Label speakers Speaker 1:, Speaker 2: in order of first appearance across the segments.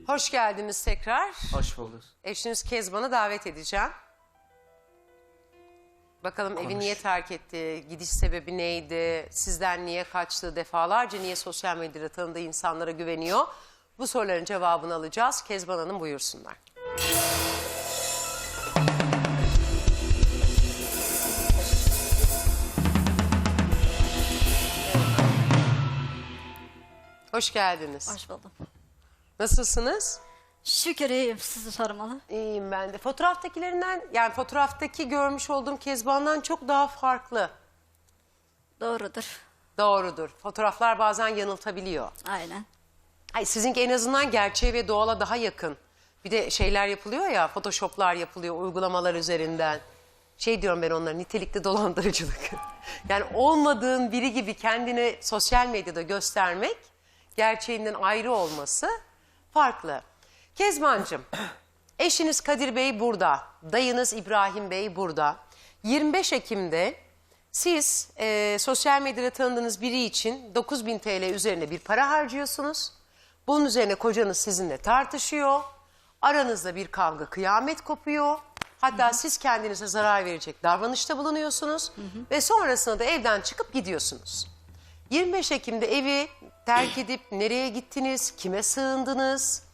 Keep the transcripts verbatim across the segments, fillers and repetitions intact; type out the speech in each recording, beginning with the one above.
Speaker 1: Hoş geldiniz tekrar.
Speaker 2: Hoş bulduk.
Speaker 1: Eşiniz Kezban'ı davet edeceğim. Bakalım evi niye terk etti, gidiş sebebi neydi, sizden niye kaçtı, defalarca niye sosyal medyada tanıdığı insanlara güveniyor? Bu soruların cevabını alacağız. Kezban Hanım buyursunlar. Hoş geldiniz.
Speaker 3: Hoş buldum.
Speaker 1: Nasılsınız?
Speaker 3: Şükür iyiyim, sizi sormalı.
Speaker 1: İyiyim ben de. Fotoğraftakilerinden, yani fotoğraftaki görmüş olduğum Kezban'dan çok daha farklı.
Speaker 3: Doğrudur.
Speaker 1: Doğrudur. Fotoğraflar bazen yanıltabiliyor.
Speaker 3: Aynen.
Speaker 1: Ay, sizinki en azından gerçeğe ve doğala daha yakın. Bir de şeyler yapılıyor ya, photoshoplar yapılıyor uygulamalar üzerinden. Şey diyorum ben onlara, nitelikli dolandırıcılık. Yani olmadığın biri gibi kendini sosyal medyada göstermek, gerçeğinden ayrı olması farklı. Kezbancığım, eşiniz Kadir Bey burada, dayınız İbrahim Bey burada. yirmi beş Ekim'de siz e, sosyal medyada tanıdığınız biri için dokuz bin T L üzerine bir para harcıyorsunuz. Bunun üzerine kocanız sizinle tartışıyor. Aranızda bir kavga, kıyamet kopuyor. Hatta hı hı. siz kendinize zarar verecek davranışta bulunuyorsunuz. Hı hı. Ve sonrasında da evden çıkıp gidiyorsunuz. yirmi beş Ekim'de evi terk edip nereye gittiniz, kime sığındınız?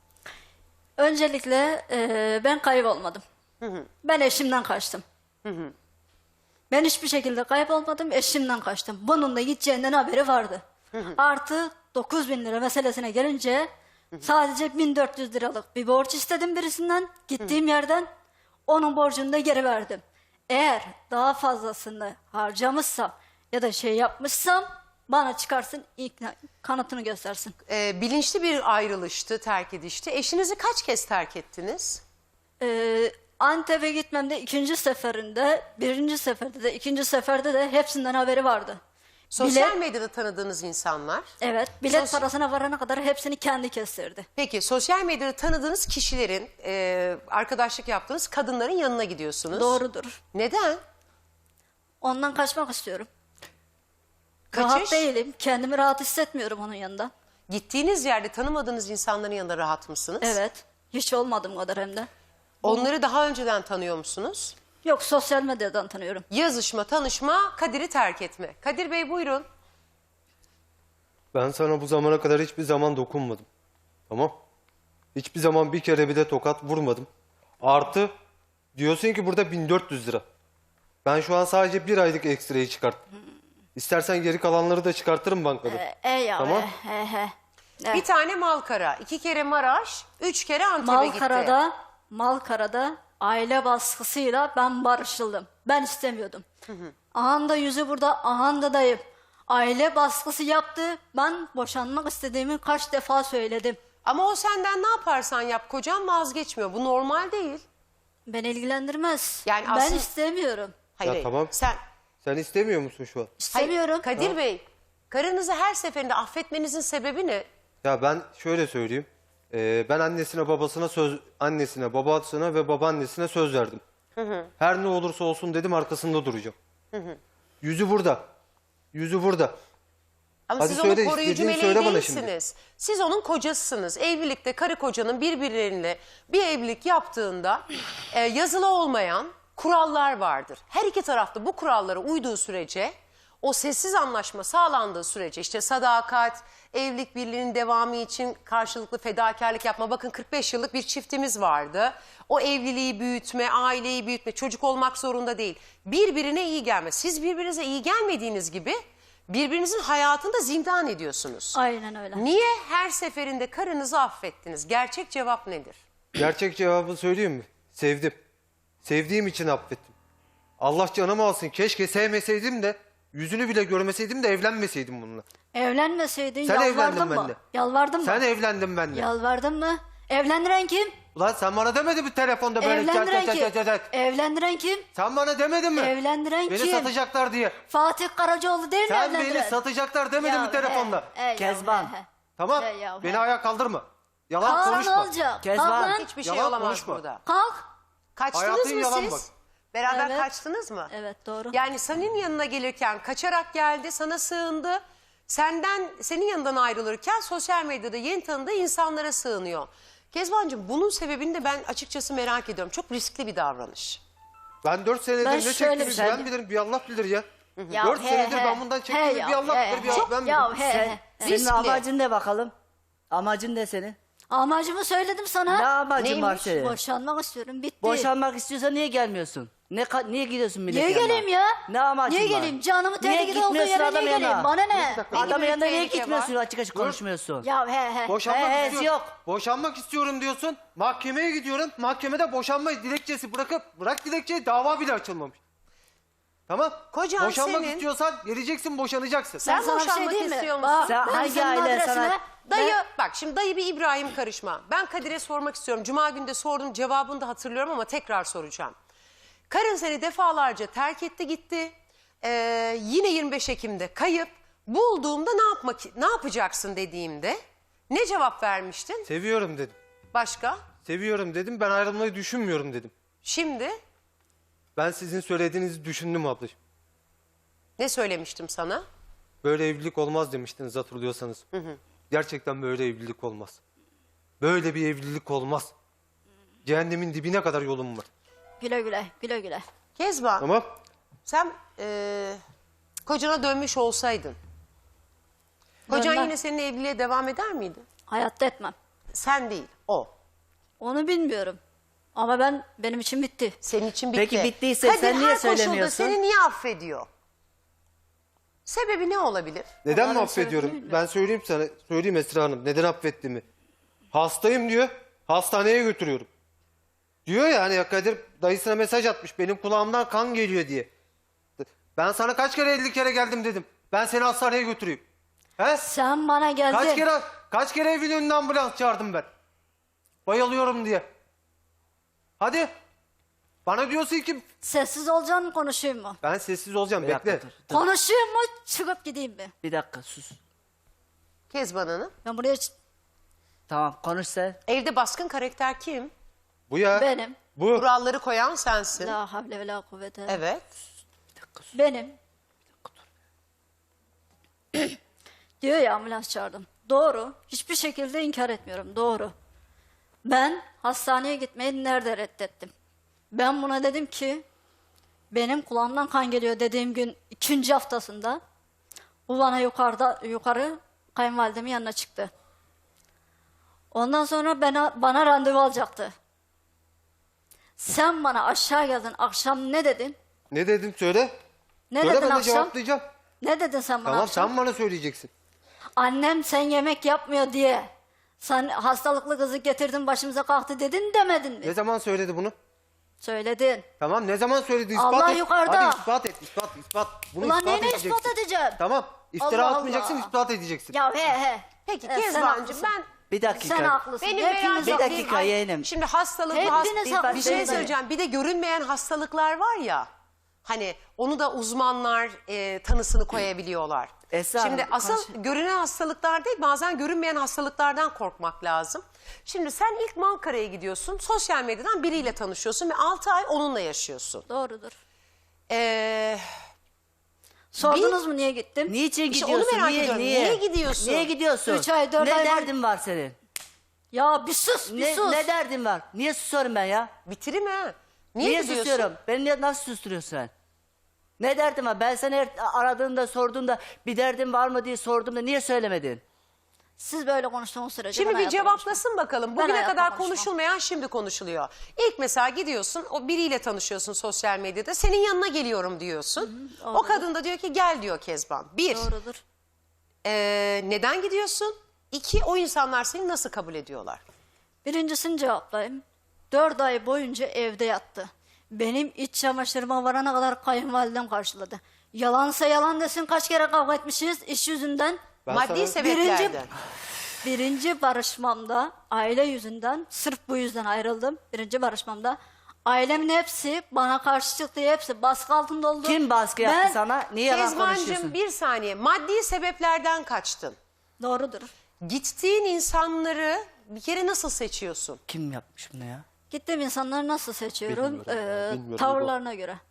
Speaker 3: Öncelikle e, ben kaybolmadım. Hı hı. Ben eşimden kaçtım. Hı hı. Ben hiçbir şekilde kaybolmadım, eşimden kaçtım. Bunun da gideceğinden haberi vardı. Hı hı. Artı dokuz bin lira meselesine gelince hı hı. sadece bin dört yüz liralık bir borç istedim birisinden. Gittiğim hı. yerden onun borcunu da geri verdim. Eğer daha fazlasını harcamışsam ya da şey yapmışsam bana çıkarsın, ikna, kanıtını göstersin.
Speaker 1: Ee, bilinçli bir ayrılıştı, terk edişti. Eşinizi kaç kez terk ettiniz?
Speaker 3: Ee, Antep'e gitmemde ikinci seferinde, birinci seferde de, ikinci seferde de hepsinden haberi vardı.
Speaker 1: Sosyal
Speaker 3: Bilet,
Speaker 1: medyada tanıdığınız insanlar.
Speaker 3: evet, bilet
Speaker 1: Sos
Speaker 3: parasına varana kadar hepsini kendi kestirdi.
Speaker 1: Peki sosyal medyada tanıdığınız kişilerin, e, arkadaşlık yaptığınız kadınların yanına gidiyorsunuz.
Speaker 3: Doğrudur.
Speaker 1: Neden?
Speaker 3: Ondan kaçmak istiyorum.
Speaker 1: Kaçış?
Speaker 3: Rahat değilim, kendimi rahat hissetmiyorum onun yanında.
Speaker 1: Gittiğiniz yerde tanımadığınız insanların yanında rahat mısınız?
Speaker 3: Evet, hiç olmadım kadar hem de.
Speaker 1: Onları daha önceden tanıyor musunuz?
Speaker 3: Yok, sosyal medyadan tanıyorum.
Speaker 1: Yazışma, tanışma, Kadir'i terk etme. Kadir Bey buyurun.
Speaker 2: Ben sana bu zamana kadar hiçbir zaman dokunmadım. Tamam. Hiçbir zaman bir kere bile tokat vurmadım. Artı diyorsun ki burada bin dört yüz lira. Ben şu an sadece bir aylık ekstrayı çıkarttım. İstersen geri kalanları da çıkartırım bankada.
Speaker 3: Ee, e ya,
Speaker 2: Tamam.
Speaker 3: e, e, e. E.
Speaker 1: Bir tane Malkara, iki kere Maraş, üç kere Antep'e gitti.
Speaker 3: Malkara'da, Malkara'da aile baskısıyla ben barışıldım. Ben istemiyordum. Hı hı. Ahanda yüzü burada, ahanda dayım. Aile baskısı yaptı. Ben boşanmak istediğimi kaç defa söyledim.
Speaker 1: Ama o senden ne yaparsan yap, kocan vazgeçmiyor. Bu normal değil.
Speaker 3: Beni ilgilendirmez.
Speaker 1: Yani
Speaker 3: ben
Speaker 1: aslında-
Speaker 3: istemiyorum.
Speaker 1: Hayır,
Speaker 2: Ya
Speaker 1: hayır.
Speaker 2: tamam.
Speaker 1: Sen...
Speaker 2: Sen istemiyor musun şu an?
Speaker 3: İstemiyorum.
Speaker 1: Hayır, Kadir Bey, karınızı her seferinde affetmenizin sebebi ne?
Speaker 2: Ya ben şöyle söyleyeyim. Ee, ben annesine babasına söz, annesine babasına ve babaannesine söz verdim. Hı hı. Her ne olursa olsun dedim, arkasında duracağım. Hı hı. Yüzü burada. Yüzü burada.
Speaker 1: Ama
Speaker 2: Hadi
Speaker 1: siz
Speaker 2: söyle,
Speaker 1: onun koruyucu
Speaker 2: istediğini
Speaker 1: meleği
Speaker 2: söyle bana
Speaker 1: değilsiniz. Siz onun kocasısınız. Evlilikte karı kocanın birbirleriyle bir evlilik yaptığında e, yazılı olmayan kurallar vardır. Her iki tarafta bu kurallara uyduğu sürece, o sessiz anlaşma sağlandığı sürece, işte sadakat, evlilik birliğinin devamı için karşılıklı fedakarlık yapma. Bakın kırk beş yıllık bir çiftimiz vardı. O evliliği büyütme, aileyi büyütme, çocuk olmak zorunda değil. Birbirine iyi gelme. Siz birbirinize iyi gelmediğiniz gibi birbirinizin hayatını da zindan ediyorsunuz.
Speaker 3: Aynen öyle.
Speaker 1: Niye her seferinde karınızı affettiniz? Gerçek cevap nedir?
Speaker 2: Gerçek cevabı söyleyeyim mi? Sevdim. Sevdiğim için affettim. Allah canımı alsın. Keşke sevmeseydim de, yüzünü bile görmeseydim de evlenmeseydim bununla.
Speaker 3: Evlenmeseydin
Speaker 2: Sen
Speaker 3: yalvardın
Speaker 2: evlendin
Speaker 3: mı?
Speaker 2: benimle.
Speaker 3: Yalvardın mı?
Speaker 2: Sen evlendin benimle.
Speaker 3: Yalvardın mı? Evlendiren kim?
Speaker 2: Ulan sen bana demedin mi telefonda böyle?
Speaker 3: Evlendiren
Speaker 2: çat,
Speaker 3: kim?
Speaker 2: çat, çat, çat.
Speaker 3: Evlendiren kim?
Speaker 2: Sen bana demedin mi?
Speaker 3: Evlendiren
Speaker 2: Beni
Speaker 3: kim?
Speaker 2: satacaklar diye.
Speaker 3: Fatih Karacaoğlu değil mi
Speaker 2: Sen
Speaker 3: evlendiren?
Speaker 2: beni satacaklar demedin
Speaker 3: Ya,
Speaker 2: mi telefonda?
Speaker 3: he, he, ya,
Speaker 4: Kezban.
Speaker 3: he, he.
Speaker 2: Tamam.
Speaker 3: He, ya,
Speaker 2: Beni
Speaker 3: he.
Speaker 2: ayağa kaldırma. Yalan
Speaker 3: Kaan
Speaker 2: konuşma.
Speaker 3: olacak.
Speaker 4: Kezban.
Speaker 3: Kalk lan.
Speaker 1: Hiçbir şey
Speaker 2: Yalan
Speaker 1: olamaz
Speaker 2: konuşma.
Speaker 1: burada.
Speaker 3: Kalk.
Speaker 1: Kaçtınız
Speaker 2: Hayatın
Speaker 1: mı
Speaker 2: yalan
Speaker 1: siz?
Speaker 2: bak.
Speaker 1: Beraber
Speaker 3: Evet.
Speaker 1: kaçtınız mı?
Speaker 3: Evet, doğru.
Speaker 1: Yani senin yanına gelirken kaçarak geldi, sana sığındı. senden, senin yanından ayrılırken sosyal medyada yeni tanıdığı insanlara sığınıyor. Kezbancığım, bunun sebebini de ben açıkçası merak ediyorum. Çok riskli bir davranış.
Speaker 2: Ben dört senedir
Speaker 3: Ben
Speaker 2: ne
Speaker 3: şöyle
Speaker 2: çektiğimi
Speaker 3: bir şey-
Speaker 2: ben bilirim. Bir Allah bilir ya.
Speaker 3: Ya
Speaker 2: Dört
Speaker 3: he,
Speaker 2: senedir
Speaker 3: he.
Speaker 2: ben bundan
Speaker 3: He
Speaker 2: çektiğimi
Speaker 3: ya,
Speaker 2: bir Allah
Speaker 3: he,
Speaker 2: bilir. Bir
Speaker 3: he.
Speaker 2: Allah ben bilirim.
Speaker 3: Ya he, he.
Speaker 4: Senin
Speaker 1: Riskli.
Speaker 4: amacın ne bakalım? Amacın ne senin?
Speaker 3: Amacımı söyledim sana.
Speaker 4: Ne amacın var
Speaker 1: Neymiş?
Speaker 4: senin?
Speaker 3: Boşanmak istiyorum. Bitti.
Speaker 4: Boşanmak istiyorsan niye gelmiyorsun? Ne ka- niye gidiyorsun milletin
Speaker 3: Niye
Speaker 4: yanına?
Speaker 3: geleyim ya?
Speaker 4: Ne amacın
Speaker 3: Niye
Speaker 4: var?
Speaker 3: geleyim? Canımı
Speaker 4: Niye
Speaker 3: tehlikede olduğu
Speaker 4: gitmiyorsun
Speaker 3: yere
Speaker 4: adam
Speaker 3: niye geleyim?
Speaker 4: yanına?
Speaker 3: Bana ne?
Speaker 4: Adamın
Speaker 1: bir
Speaker 4: yanına niye
Speaker 1: tehlike
Speaker 4: gitmiyorsun?
Speaker 1: var.
Speaker 4: Açık açık konuşmuyorsun.
Speaker 3: Ya he he.
Speaker 2: Boşanmak
Speaker 4: He, he,
Speaker 2: istiyorum.
Speaker 4: yok.
Speaker 2: Boşanmak istiyorum diyorsun. Mahkemeye gidiyorum. Mahkemede boşanma dilekçesi bırakıp bırak dilekçeyi, dava bile açılmamış. Tamam.
Speaker 1: Kocan
Speaker 2: Boşanmak
Speaker 1: senin-
Speaker 2: istiyorsan geleceksin, boşanacaksın.
Speaker 1: Sen
Speaker 3: Ben sana bir şey
Speaker 1: boşanmak
Speaker 3: diyeyim mi?
Speaker 1: istiyor musun?
Speaker 3: Bak,
Speaker 4: Sen
Speaker 3: ben
Speaker 4: hangi
Speaker 3: senin
Speaker 4: aile
Speaker 3: adresine-
Speaker 4: sana-
Speaker 1: Dayı,
Speaker 3: Ben-
Speaker 1: bak şimdi dayı bir İbrahim karışma. Ben Kadir'e sormak istiyorum. Cuma günü de sordum, cevabını da hatırlıyorum ama tekrar soracağım. Karın seni defalarca terk etti gitti. Ee, yine yirmi beş Ekim'de kayıp. Bulduğumda ne yapmak ne yapacaksın dediğimde ne cevap vermiştin?
Speaker 2: Seviyorum dedim.
Speaker 1: Başka?
Speaker 2: Seviyorum dedim. Ben ayrılmayı düşünmüyorum dedim.
Speaker 1: Şimdi
Speaker 2: Ben sizin söylediğinizi düşündüm ablacığım.
Speaker 1: ne söylemiştim sana?
Speaker 2: Böyle evlilik olmaz demiştiniz hatırlıyorsanız. Gerçekten böyle evlilik olmaz. Böyle bir evlilik olmaz. Cehennemin dibine kadar yolum var.
Speaker 3: Güle güle, güle güle.
Speaker 1: Kezban,
Speaker 2: Tamam.
Speaker 1: sen eee, kocana dönmüş olsaydın, kocan
Speaker 3: Dönmem.
Speaker 1: yine seninle evliliğe devam eder miydi?
Speaker 3: Hayatta etmem.
Speaker 1: Sen değil, o.
Speaker 3: Onu bilmiyorum. Ama ben benim için bitti.
Speaker 1: Senin için bitti.
Speaker 4: Peki bittiyse
Speaker 1: Kadir
Speaker 4: sen niye
Speaker 1: her koşulda
Speaker 4: söylemiyorsun?
Speaker 1: seni niye affediyor? Sebebi ne olabilir?
Speaker 2: Neden mi
Speaker 3: Onların
Speaker 2: affediyorum?
Speaker 3: sebebini bilmiyorum.
Speaker 2: Ben söyleyeyim sana, söyleyeyim Esra Hanım. Neden affettiğimi. Hastayım diyor, hastaneye götürüyorum. Diyor ya hani ya Kadir dayısına mesaj atmış, benim kulağımdan kan geliyor diye. Ben sana kaç kere elli kere geldim dedim. Ben seni hastaneye götüreyim. He?
Speaker 3: Sen bana geldin.
Speaker 2: Kaç kere kaç kere evin önüne ambulans çağırdım ben. Bayılıyorum diye. Hadi. Bana diyorsun ki
Speaker 3: Sessiz olacaksın mı, konuşayım mı?
Speaker 2: ben sessiz olacağım,
Speaker 4: Bir dakika
Speaker 2: bekle.
Speaker 4: dur, dur.
Speaker 3: Konuşayım mı, çıkıp gideyim mi?
Speaker 4: Bir dakika sus.
Speaker 1: Kezban Hanım.
Speaker 3: Ben buraya ç-
Speaker 4: Tamam konuş sen.
Speaker 1: Evde baskın karakter kim?
Speaker 2: Bu ya.
Speaker 3: benim.
Speaker 2: Bu.
Speaker 1: Kuralları koyan sensin.
Speaker 3: La havle ve la kuvvete.
Speaker 1: Evet.
Speaker 3: Benim. Diyor ya, ambulans çağırdım. Doğru. Hiçbir şekilde inkar etmiyorum. Doğru. Ben hastaneye gitmeyi nerede reddettim? Ben buna dedim ki benim kulağımdan kan geliyor dediğim gün ikinci haftasında bu bana yukarıda yukarı kayınvalidemin yanına çıktı. Ondan sonra bana, bana randevu alacaktı. Sen bana aşağı geldin, akşam ne dedin?
Speaker 2: Ne dedim söyle.
Speaker 3: Ne
Speaker 2: Söyle
Speaker 3: dedin
Speaker 2: ben de
Speaker 3: akşam?
Speaker 2: cevaplayacağım.
Speaker 3: Ne dedin sen bana
Speaker 2: Tamam
Speaker 3: akşam?
Speaker 2: sen bana söyleyeceksin.
Speaker 3: Annem sen yemek yapmıyor diye sen hastalıklı kızı getirdin başımıza kalktı dedin demedin mi?
Speaker 2: Ne zaman söyledi bunu?
Speaker 3: Söyledin.
Speaker 2: Tamam ne zaman söyledi ispat
Speaker 3: Allah
Speaker 2: et.
Speaker 3: yukarıda.
Speaker 2: Hadi ispat et ispat ispat. Bunu
Speaker 3: Ulan
Speaker 2: ispat
Speaker 3: neyine
Speaker 2: edeceksin.
Speaker 3: ispat edeceğim?
Speaker 2: Tamam iftira
Speaker 3: Allah
Speaker 2: atmayacaksın
Speaker 3: Allah.
Speaker 2: ispat edeceksin.
Speaker 3: Ya he he.
Speaker 1: Peki
Speaker 3: Evet, sen
Speaker 1: Kezbancığım
Speaker 3: haklısın.
Speaker 1: ben
Speaker 4: Bir dakika.
Speaker 3: Sen haklısın.
Speaker 1: benim
Speaker 3: Hepiniz
Speaker 1: merak
Speaker 4: Bir
Speaker 3: haklısınız.
Speaker 4: dakika yeğenim.
Speaker 1: Şimdi hastalıklı
Speaker 3: Hepiniz
Speaker 1: hast- bir, bir
Speaker 3: haklısınız.
Speaker 1: şey söyleyeceğim. Bir de görünmeyen hastalıklar var ya. Hani onu da uzmanlar e, tanısını koyabiliyorlar.
Speaker 4: Esra
Speaker 1: Şimdi
Speaker 4: Hanım,
Speaker 1: asıl
Speaker 4: konuş-
Speaker 1: görünen hastalıklar değil, bazen görünmeyen hastalıklardan korkmak lazım. Şimdi sen ilk Malkara'ya gidiyorsun, sosyal medyadan biriyle tanışıyorsun ve altı ay onunla yaşıyorsun.
Speaker 3: Doğrudur.
Speaker 1: Ee,
Speaker 3: Sordunuz mu niye gittim?
Speaker 4: Niçin
Speaker 1: İşte onu
Speaker 4: gidiyorsun?
Speaker 1: merak
Speaker 4: niye,
Speaker 1: ediyorum.
Speaker 4: niye?
Speaker 1: Niye gidiyorsun?
Speaker 4: Niye gidiyorsun?
Speaker 3: Üç ay, dört
Speaker 4: ne
Speaker 3: ay var.
Speaker 4: derdin var senin?
Speaker 3: Ya bir sus bir
Speaker 4: Ne,
Speaker 3: sus.
Speaker 4: ne derdin var? Niye susuyorum ben ya?
Speaker 1: bitireyim ha. Niye,
Speaker 4: Niye,
Speaker 1: gidiyorsun?
Speaker 4: susuyorum? Beni niye- nasıl susturuyorsun sen? Ne derdin var? Ben seni her aradığımda sorduğumda bir derdin var mı diye sorduğumda niye söylemedin?
Speaker 3: Siz böyle konuştuğunuz sürece
Speaker 1: Şimdi
Speaker 3: ben
Speaker 1: bir
Speaker 3: hayatta
Speaker 1: cevaplasın bakalım.
Speaker 3: Ben
Speaker 1: Bugüne
Speaker 3: hayatta
Speaker 1: kadar
Speaker 3: konuşmam.
Speaker 1: konuşulmayan şimdi konuşuluyor. İlk mesela gidiyorsun, o biriyle tanışıyorsun sosyal medyada. Senin yanına geliyorum diyorsun.
Speaker 3: Hı hı,
Speaker 1: o
Speaker 3: doğru.
Speaker 1: kadın da diyor ki gel diyor Kezban. Bir,
Speaker 3: konuşmam. Doğrudur.
Speaker 1: ee, neden gidiyorsun? İki, o insanlar seni nasıl kabul ediyorlar?
Speaker 3: Birincisini cevaplayayım. Dört ay boyunca evde yattı. Benim iç çamaşırıma varana kadar kayınvalidem karşıladı. Yalansa yalan desin, kaç kere kavga etmişiz iş yüzünden.
Speaker 2: Ben
Speaker 1: Maddi
Speaker 2: sana-
Speaker 1: sebeplerden.
Speaker 3: Birinci- Birinci barışmamda aile yüzünden, sırf bu yüzden ayrıldım. Birinci barışmamda ailemin hepsi bana karşı çıktı, hepsi baskı altında oldu.
Speaker 4: Kim baskı yaptı
Speaker 3: Ben-
Speaker 4: sana? Niye yalan konuşuyorsun?
Speaker 1: Kezbancığım bir saniye. Maddi sebeplerden kaçtın.
Speaker 3: Doğrudur.
Speaker 1: Gittiğin insanları bir kere nasıl seçiyorsun?
Speaker 4: Kim yapmış bunu ya?
Speaker 3: Gittiğim insanları nasıl seçiyorum?
Speaker 2: Bilmiyorum ya,
Speaker 3: Ee,
Speaker 2: bilmiyorum.
Speaker 3: tavırlarına göre.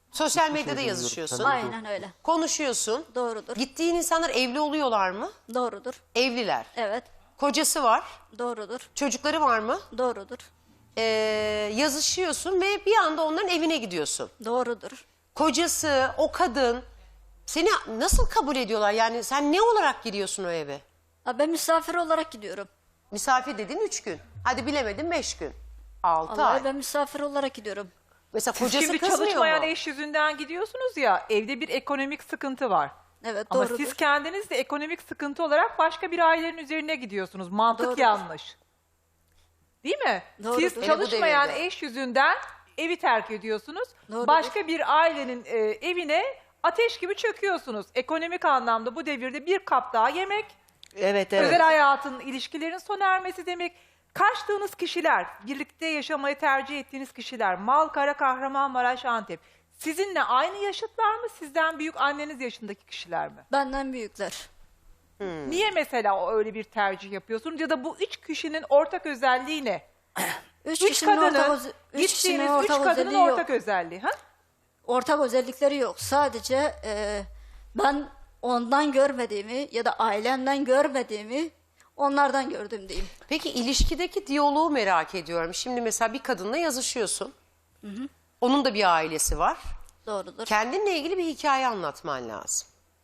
Speaker 1: Sosyal medyada
Speaker 2: bilmiyorum.
Speaker 1: yazışıyorsun.
Speaker 2: Tabii.
Speaker 3: Aynen öyle.
Speaker 1: Konuşuyorsun.
Speaker 3: Doğrudur.
Speaker 1: Gittiğin insanlar evli oluyorlar mı?
Speaker 3: Doğrudur.
Speaker 1: Evliler.
Speaker 3: Evet.
Speaker 1: Kocası var.
Speaker 3: Doğrudur.
Speaker 1: Çocukları var mı?
Speaker 3: Doğrudur.
Speaker 1: Ee, yazışıyorsun ve bir anda onların evine gidiyorsun.
Speaker 3: Doğrudur.
Speaker 1: Kocası, o kadın seni nasıl kabul ediyorlar? Yani sen ne olarak giriyorsun o eve?
Speaker 3: Ha, ben misafir olarak gidiyorum.
Speaker 1: Misafir dediğin üç gün. Hadi bilemedin beş gün. Altı
Speaker 3: Vallahi
Speaker 1: ay.
Speaker 3: ben misafir olarak gidiyorum.
Speaker 1: Mesela
Speaker 5: Siz
Speaker 1: kocası
Speaker 5: şimdi
Speaker 1: kızmıyor
Speaker 5: çalışmayan
Speaker 1: mu?
Speaker 5: eş yüzünden gidiyorsunuz ya, evde bir ekonomik sıkıntı var.
Speaker 3: Evet,
Speaker 5: Ama
Speaker 3: doğrudur.
Speaker 5: siz kendiniz de ekonomik sıkıntı olarak başka bir ailenin üzerine gidiyorsunuz. Mantık
Speaker 3: Doğrudur.
Speaker 5: yanlış. Değil mi?
Speaker 3: Doğrudur.
Speaker 5: Siz
Speaker 3: Hele bu
Speaker 5: çalışmayan
Speaker 1: devirde.
Speaker 5: eş yüzünden evi terk ediyorsunuz.
Speaker 3: Doğrudur.
Speaker 5: Başka bir ailenin e, evine ateş gibi çöküyorsunuz. Ekonomik anlamda bu devirde bir kap daha yemek,
Speaker 4: Evet evet.
Speaker 5: özel hayatın, ilişkilerin sona ermesi demek. Kaçtığınız kişiler, birlikte yaşamayı tercih ettiğiniz kişiler, Malkara, Kahramanmaraş, Antep. Sizinle aynı yaşıtlar mı? Sizden büyük anneniz yaşındaki kişiler mi?
Speaker 3: Benden büyükler.
Speaker 5: Niye mesela o öyle bir tercih yapıyorsunuz? Ya da bu üç kişinin ortak özelliği ne?
Speaker 3: Üç,
Speaker 5: Üç
Speaker 3: kişinin ortak,
Speaker 5: kadının,
Speaker 3: öz- üç kişinin
Speaker 5: gittiğiniz üç
Speaker 3: ortak
Speaker 5: kadının
Speaker 3: özelliği yok.
Speaker 5: ortak özelliği. Ha?
Speaker 3: Ortak özellikleri yok. Sadece e, ben ondan görmediğimi ya da ailemden görmediğimi onlardan gördüm diyeyim.
Speaker 1: Peki ilişkideki diyaloğu merak ediyorum. Şimdi mesela bir kadınla yazışıyorsun. Onun da bir ailesi var.
Speaker 3: Doğrudur.
Speaker 1: Kendinle ilgili bir hikaye anlatman lazım.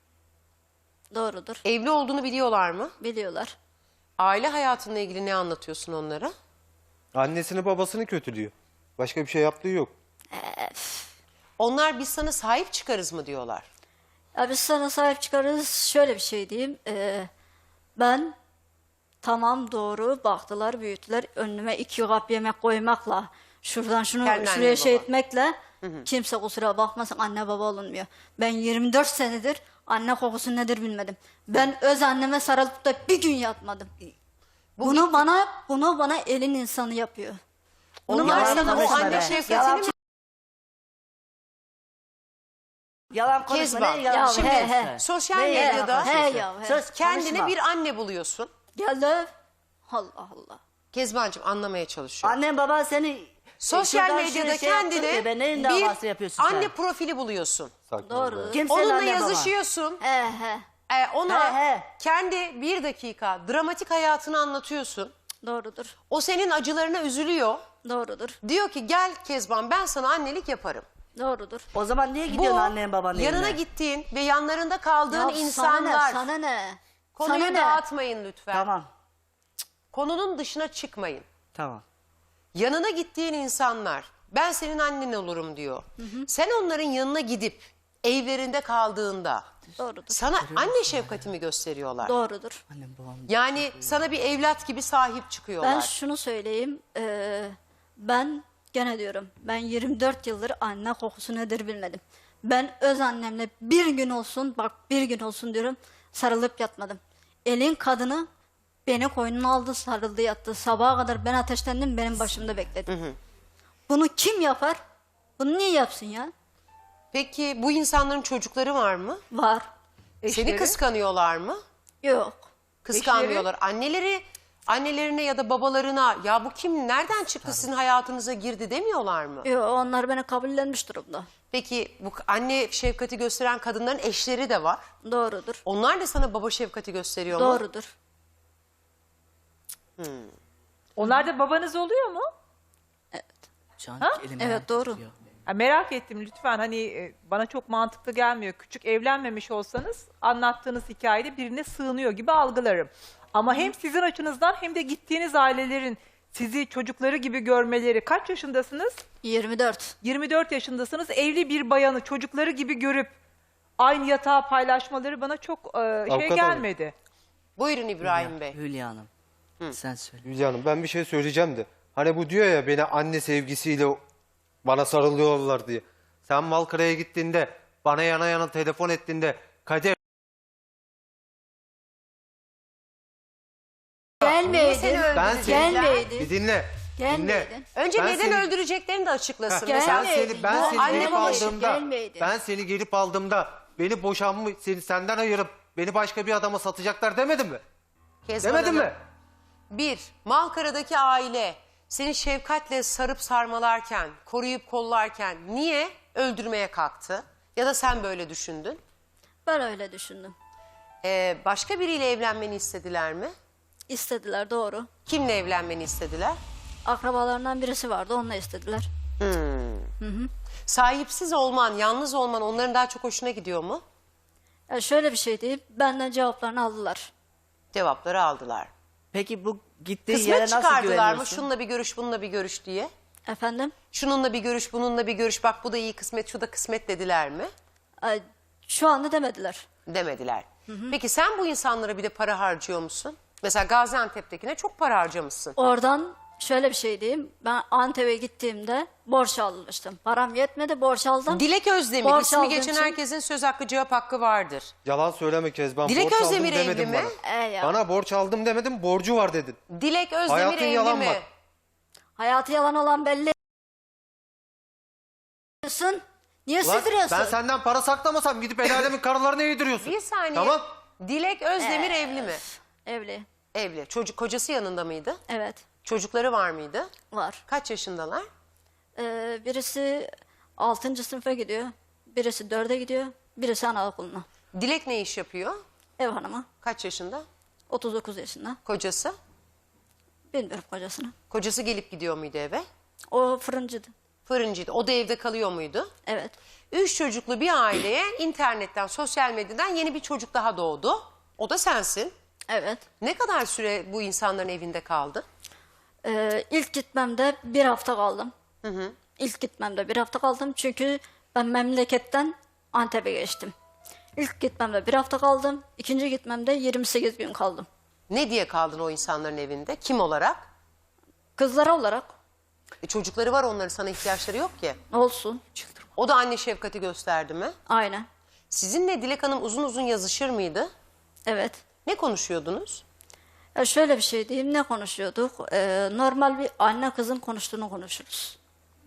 Speaker 3: Doğrudur.
Speaker 1: Evli olduğunu biliyorlar mı?
Speaker 3: Biliyorlar.
Speaker 1: Aile hayatınla ilgili ne anlatıyorsun onlara?
Speaker 2: Annesini babasını kötülüyor. Başka bir şey yaptığı yok.
Speaker 1: Onlar biz sana sahip çıkarız mı diyorlar.
Speaker 3: Ya biz sana sahip çıkarız. Şöyle bir şey diyeyim. e, ben tamam doğru baktılar büyüttüler. Önüme iki kap yemek koymakla şuradan şunu
Speaker 1: Kendi
Speaker 3: şuraya
Speaker 1: anne,
Speaker 3: şey
Speaker 1: baba.
Speaker 3: etmekle kimse kusura bakmasın anne baba olunmuyor. Ben yirmi dört senedir anne kokusu nedir bilmedim. Ben öz anneme sarılıp da bir gün yatmadım. bunu bana bunu bana elin insanı yapıyor. Bunu
Speaker 1: Onlar
Speaker 3: bana
Speaker 1: sana o
Speaker 4: konuşma
Speaker 1: anne
Speaker 4: be.
Speaker 1: şefkatini
Speaker 4: Yalan-
Speaker 1: mi?
Speaker 4: Yalan konuşma.
Speaker 1: Kezban.
Speaker 4: Ne yalan
Speaker 3: Ya,
Speaker 1: Şimdi
Speaker 3: he, he.
Speaker 1: sosyal
Speaker 4: Ne yalan
Speaker 1: medyada
Speaker 4: konuşuyorsun?
Speaker 3: He ya, he.
Speaker 4: Söz
Speaker 1: kendine
Speaker 4: konuşma.
Speaker 1: bir anne buluyorsun.
Speaker 3: Gel de Allah Allah.
Speaker 1: Kezbancığım anlamaya çalışıyorum.
Speaker 4: Annen baban seni
Speaker 1: Sosyal
Speaker 4: şuradan
Speaker 1: medyada
Speaker 4: şuraya şey yaptı
Speaker 1: kendine
Speaker 4: diye ben neyin
Speaker 1: bir
Speaker 4: davası yapıyorsun
Speaker 1: anne
Speaker 4: sen?
Speaker 1: profili buluyorsun.
Speaker 2: Sakin ol
Speaker 3: Doğru.
Speaker 2: be.
Speaker 4: Kim senin
Speaker 1: Onunla
Speaker 4: annen baban?
Speaker 1: yazışıyorsun.
Speaker 3: He he.
Speaker 1: Ee, ona
Speaker 4: He, he.
Speaker 1: kendi bir dakika dramatik hayatını anlatıyorsun.
Speaker 3: Doğrudur.
Speaker 1: O senin acılarına üzülüyor.
Speaker 3: Doğrudur.
Speaker 1: Diyor ki gel Kezban ben sana annelik yaparım.
Speaker 3: Doğrudur.
Speaker 4: O zaman niye
Speaker 1: Bu
Speaker 4: gidiyorsun annen babanın
Speaker 1: yanına
Speaker 4: evine?
Speaker 1: gittiğin ve yanlarında kaldığın
Speaker 3: Ya
Speaker 1: insanlar.
Speaker 3: Sana ne? Sana ne?
Speaker 1: Konuyu
Speaker 3: Sana ne?
Speaker 1: dağıtmayın lütfen.
Speaker 4: Tamam.
Speaker 1: Konunun dışına çıkmayın.
Speaker 4: Tamam.
Speaker 1: Yanına gittiğin insanlar ben senin annen olurum diyor. Sen onların yanına gidip evlerinde kaldığında
Speaker 3: Doğrudur.
Speaker 1: sana anne şefkatimi gösteriyorlar.
Speaker 3: Doğrudur.
Speaker 4: Annem babam.
Speaker 1: Yani sana bir evlat gibi sahip çıkıyorlar.
Speaker 3: Ben şunu söyleyeyim. eee, ben gene diyorum. Ben yirmi dört yıldır anne kokusu nedir bilmedim. Ben öz annemle bir gün olsun bak bir gün olsun diyorum sarılıp yatmadım. Elin kadını beni koynuna aldı sarıldı yattı. Sabaha kadar ben ateşlendim benim başımda bekledi. Bunu kim yapar? Bunu niye yapsın ya?
Speaker 1: Peki bu insanların çocukları var mı?
Speaker 3: Var.
Speaker 1: Seni
Speaker 5: Eşleri?
Speaker 1: kıskanıyorlar mı?
Speaker 3: Yok.
Speaker 1: Kıskanmıyorlar. Anneleri annelerine ya da babalarına ya bu kim nereden çıktı sizin hayatınıza girdi demiyorlar mı?
Speaker 3: Yok onlar beni kabullenmiş durumda.
Speaker 1: Peki bu anne şefkati gösteren kadınların eşleri de var.
Speaker 3: Doğrudur.
Speaker 1: Onlar da sana baba şefkati gösteriyor mu?
Speaker 3: Doğrudur.
Speaker 5: Onlar da babanız oluyor mu?
Speaker 4: Can,
Speaker 5: Ha?
Speaker 4: elime
Speaker 3: Evet doğru.
Speaker 4: tutuyor.
Speaker 5: Ha, merak ettim lütfen, hani e, bana çok mantıklı gelmiyor. Küçük evlenmemiş olsanız anlattığınız hikayede birine sığınıyor gibi algılarım. Ama hem sizin açınızdan hem de gittiğiniz ailelerin sizi çocukları gibi görmeleri. Kaç yaşındasınız?
Speaker 3: yirmi dört.
Speaker 5: yirmi dört yaşındasınız. Evli bir bayanı çocukları gibi görüp aynı yatağı paylaşmaları bana çok e, şey
Speaker 2: Avukat hanım.
Speaker 5: gelmedi.
Speaker 1: Buyurun İbrahim Bey.
Speaker 4: Hülya Hanım. Sen söyle.
Speaker 2: Hülya Hanım ben bir şey söyleyeceğim de. Hani bu diyor ya beni anne sevgisiyle bana sarılıyorlar diye. Sen Malkara'ya gittiğinde bana yana yana telefon ettiğinde Kader
Speaker 3: Gelmeydin.
Speaker 1: seni öldürecekler?
Speaker 2: ben seni
Speaker 3: Gelmeydin.
Speaker 2: bir dinle. Dinle.
Speaker 3: Gelmeydin.
Speaker 1: Önce
Speaker 2: Ben
Speaker 1: neden
Speaker 2: seni-
Speaker 1: öldüreceklerini de açıklasın.
Speaker 2: Ben
Speaker 1: Mesela
Speaker 2: seni ben
Speaker 3: Bu
Speaker 2: seni
Speaker 1: anne
Speaker 2: gelip
Speaker 1: babası
Speaker 2: aldığımda
Speaker 3: gelmeydin.
Speaker 2: ben seni gelip aldığımda beni boşanma seni senden ayırıp beni başka bir adama satacaklar demedim mi?
Speaker 1: Kezban
Speaker 2: Demedim
Speaker 1: Hanım,
Speaker 2: mi?
Speaker 1: Bir, Malkara'daki aile seni şefkatle sarıp sarmalarken, koruyup kollarken niye öldürmeye kalktı? Ya da sen böyle düşündün.
Speaker 3: Ben öyle düşündüm.
Speaker 1: Ee, başka biriyle evlenmeni istediler mi?
Speaker 3: İstediler, doğru.
Speaker 1: Kimle evlenmeni istediler?
Speaker 3: Akrabalarından birisi vardı, onunla istediler.
Speaker 1: Sahipsiz olman, yalnız olman onların daha çok hoşuna gidiyor mu?
Speaker 3: Ya şöyle bir şey diyeyim, benden cevaplarını aldılar.
Speaker 1: Cevapları aldılar.
Speaker 4: Peki bu gittiğin yere
Speaker 1: Kısmet
Speaker 4: nasıl
Speaker 1: çıkardılar mı?
Speaker 4: güveniyorsun?
Speaker 1: Şununla bir görüş, bununla bir görüş diye.
Speaker 3: Efendim?
Speaker 1: Şununla bir görüş, bununla bir görüş. Bak bu da iyi kısmet, şu da kısmet dediler mi?
Speaker 3: Ay, şu anda demediler.
Speaker 1: Demediler. Peki sen bu insanlara bir de para harcıyor musun? Mesela Gaziantep'tekine çok para harcamışsın.
Speaker 3: Oradan şöyle bir şey diyeyim, ben Antep'e gittiğimde borç almıştım. Param yetmedi, borç aldım.
Speaker 1: Dilek Özdemir,
Speaker 3: Borç
Speaker 1: ismi
Speaker 3: aldığım
Speaker 1: geçen
Speaker 3: için-
Speaker 1: herkesin söz hakkı, cevap hakkı vardır.
Speaker 2: Yalan söyleme Kezban.
Speaker 1: Dilek
Speaker 2: borç aldım
Speaker 1: Özdemir evli
Speaker 2: demedin
Speaker 1: mi?
Speaker 2: bana.
Speaker 3: E ya.
Speaker 2: Bana borç aldım demedim, borcu var dedin.
Speaker 1: Dilek Özdemir
Speaker 2: Hayatın
Speaker 1: evli
Speaker 2: yalan
Speaker 1: mi?
Speaker 2: bak.
Speaker 3: Hayatı yalan olan belli. Niye
Speaker 2: Lan
Speaker 3: sürdürüyorsun?
Speaker 2: ben senden para saklamasam gidip el alemin karılarına yediriyorsun.
Speaker 1: Bir saniye.
Speaker 2: Tamam.
Speaker 1: Dilek Özdemir
Speaker 3: Ee,
Speaker 1: evli mi?
Speaker 3: Evli.
Speaker 1: Evli. Çocuk kocası yanında mıydı?
Speaker 3: Evet,
Speaker 1: Çocukları var mıydı?
Speaker 3: var.
Speaker 1: Kaç yaşındalar?
Speaker 3: Ee, birisi altıncı sınıfa gidiyor. Birisi dörde gidiyor. Birisi anaokuluna.
Speaker 1: Dilek ne iş yapıyor?
Speaker 3: Ev hanımı.
Speaker 1: Kaç yaşında?
Speaker 3: otuz dokuz yaşında.
Speaker 1: Kocası?
Speaker 3: Bilmiyorum kocasını.
Speaker 1: Kocası gelip gidiyor muydu eve?
Speaker 3: O fırıncıydı.
Speaker 1: Fırıncıydı. O da evde kalıyor muydu?
Speaker 3: Evet.
Speaker 1: Üç çocuklu bir aileye internetten, sosyal medyadan yeni bir çocuk daha doğdu. O da sensin.
Speaker 3: Evet.
Speaker 1: Ne kadar süre bu insanların evinde kaldı?
Speaker 3: Ee, ilk gitmemde bir hafta kaldım. İlk gitmemde bir hafta kaldım. Çünkü ben memleketten Antep'e geçtim. İlk gitmemde bir hafta kaldım. İkinci gitmemde yirmi sekiz gün kaldım.
Speaker 1: Ne diye kaldın o insanların evinde? Kim olarak?
Speaker 3: Kızlara olarak
Speaker 1: E, çocukları var, onların sana ihtiyaçları yok ki.
Speaker 3: olsun.
Speaker 1: O da anne şefkati gösterdi mi?
Speaker 3: Aynen.
Speaker 1: Sizinle Dilek Hanım uzun uzun yazışır mıydı?
Speaker 3: Evet.
Speaker 1: Ne konuşuyordunuz?
Speaker 3: Ya şöyle bir şey diyeyim, ne konuşuyorduk? Ee, normal bir anne kızın konuştuğunu konuşuruz.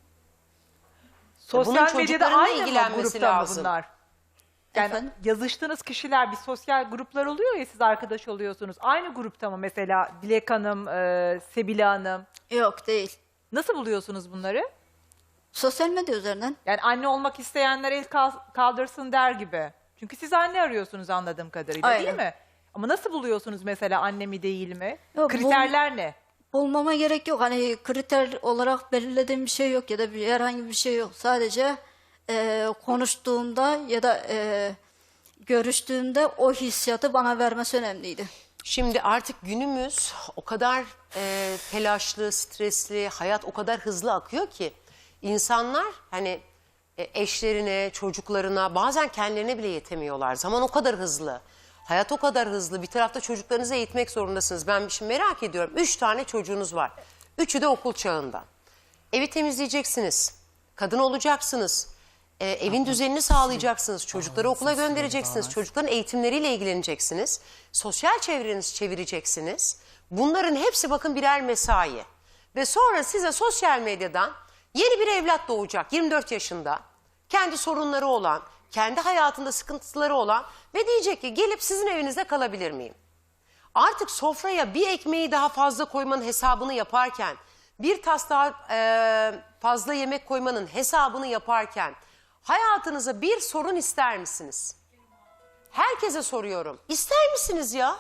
Speaker 1: bunun
Speaker 5: Sosyal medyada
Speaker 1: çocuklarınla
Speaker 5: aynı mı
Speaker 1: ilgilenmesi
Speaker 5: grupta mı
Speaker 1: lazım.
Speaker 5: bunlar? Yani
Speaker 3: Efendim?
Speaker 5: yazıştığınız kişiler, bir sosyal gruplar oluyor ya, siz arkadaş oluyorsunuz. Aynı grupta mı mesela Dilek Hanım, e, Sebile Hanım?
Speaker 3: Yok, değil.
Speaker 5: Nasıl buluyorsunuz bunları?
Speaker 3: Sosyal medya üzerinden.
Speaker 5: Yani anne olmak isteyenler el kal- kaldırsın der gibi. Çünkü siz anne arıyorsunuz anladığım kadarıyla, değil
Speaker 3: Aynen.
Speaker 5: mi? Ama nasıl buluyorsunuz mesela anne mi değil mi?
Speaker 3: Yok, bu-
Speaker 5: Kriterler ne?
Speaker 3: Bulmama gerek yok. Hani kriter olarak belirlediğim bir şey yok ya da bir herhangi bir şey yok. Sadece e, konuştuğumda ya da e, görüştüğümde o hissiyatı bana vermesi önemliydi.
Speaker 1: Şimdi artık günümüz o kadar e, telaşlı, stresli, hayat o kadar hızlı akıyor ki insanlar hani e, eşlerine, çocuklarına, bazen kendilerine bile yetemiyorlar. Zaman o kadar hızlı. Hayat o kadar hızlı. Bir tarafta çocuklarınızı eğitmek zorundasınız. Ben şimdi merak ediyorum. Üç tane çocuğunuz var. Üçü de okul çağında. Evi temizleyeceksiniz. Kadın olacaksınız. e, evin düzenini sağlayacaksınız. Çocukları okula göndereceksiniz. Çocukların eğitimleriyle ilgileneceksiniz. Sosyal çevrenizi çevireceksiniz. Bunların hepsi bakın birer mesai. Ve sonra size sosyal medyadan yeni bir evlat doğacak yirmi dört yaşında. Kendi sorunları olan, kendi hayatında sıkıntıları olan ve diyecek ki gelip sizin evinizde kalabilir miyim? Artık sofraya bir ekmeği daha fazla koymanın hesabını yaparken, bir tas daha e, fazla yemek koymanın hesabını yaparken hayatınıza bir sorun ister misiniz? Herkese soruyorum. İster misiniz ya?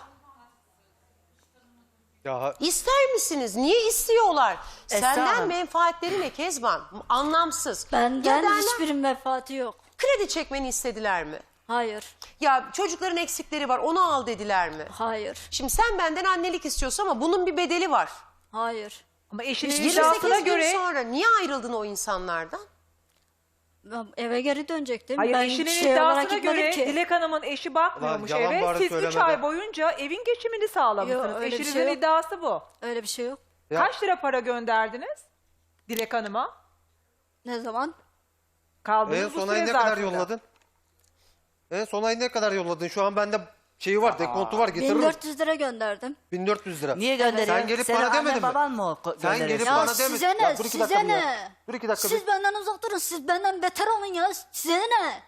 Speaker 2: Ya
Speaker 1: İster misiniz? Niye istiyorlar?
Speaker 4: Esra
Speaker 1: Senden
Speaker 4: Hanım.
Speaker 1: menfaatleri ne Kezban? Anlamsız.
Speaker 3: Benden
Speaker 1: Ya derler,
Speaker 3: hiçbir menfaati yok.
Speaker 1: kredi çekmeni istediler mi?
Speaker 3: Hayır.
Speaker 1: Ya çocukların eksikleri var, onu al dediler mi?
Speaker 3: Hayır.
Speaker 1: Şimdi sen benden annelik istiyorsun ama bunun bir bedeli var.
Speaker 3: Hayır.
Speaker 5: Ama eşinin
Speaker 1: yirmi sekiz
Speaker 5: iddiasına
Speaker 1: gün
Speaker 5: göre...
Speaker 1: sonra niye ayrıldın o insanlardan?
Speaker 3: Ben eve geri dönecektim.
Speaker 5: Hayır,
Speaker 3: ben
Speaker 5: eşinin
Speaker 3: şey olarak
Speaker 5: iddiasına
Speaker 3: gitmedim
Speaker 5: göre
Speaker 3: ki.
Speaker 5: Dilek Hanım'ın eşi bakmıyormuş
Speaker 2: Lan yalan
Speaker 5: eve.
Speaker 2: bari
Speaker 5: Siz üç
Speaker 2: söyleme
Speaker 5: ay
Speaker 2: be.
Speaker 5: boyunca evin geçimini sağlamışsınız.
Speaker 3: Yok, öyle bir
Speaker 5: Eşinizin
Speaker 3: şey yok.
Speaker 5: iddiası bu.
Speaker 3: Öyle bir şey yok.
Speaker 2: Ya-
Speaker 5: Kaç lira para gönderdiniz Dilek Hanım'a?
Speaker 3: Ne zaman?
Speaker 5: Kaldığınız
Speaker 2: en
Speaker 5: bu
Speaker 2: son ay
Speaker 5: süre
Speaker 2: ne kadar
Speaker 5: zarfında.
Speaker 2: yolladın? En son ay ne kadar yolladın? Şu an bende şeyi var, dekontu var, getiririm.
Speaker 3: bin dört yüz lira gönderdim.
Speaker 2: bin dört yüz lira.
Speaker 4: Niye gönderiyorsun?
Speaker 2: Sen gelip
Speaker 4: Senin
Speaker 2: bana
Speaker 4: annen
Speaker 2: demedin mi?
Speaker 4: baban mı o ko-
Speaker 2: Sen
Speaker 4: gönderiyor?
Speaker 2: gelip
Speaker 3: Ya
Speaker 2: bana
Speaker 3: size
Speaker 2: demedin.
Speaker 3: ne?
Speaker 2: Ya dur iki dakika
Speaker 3: Size
Speaker 2: bir ya.
Speaker 3: ne?
Speaker 2: Dur iki dakika
Speaker 3: Siz
Speaker 2: bir.
Speaker 3: benden uzak durun. Siz benden beter olun ya. Size ne?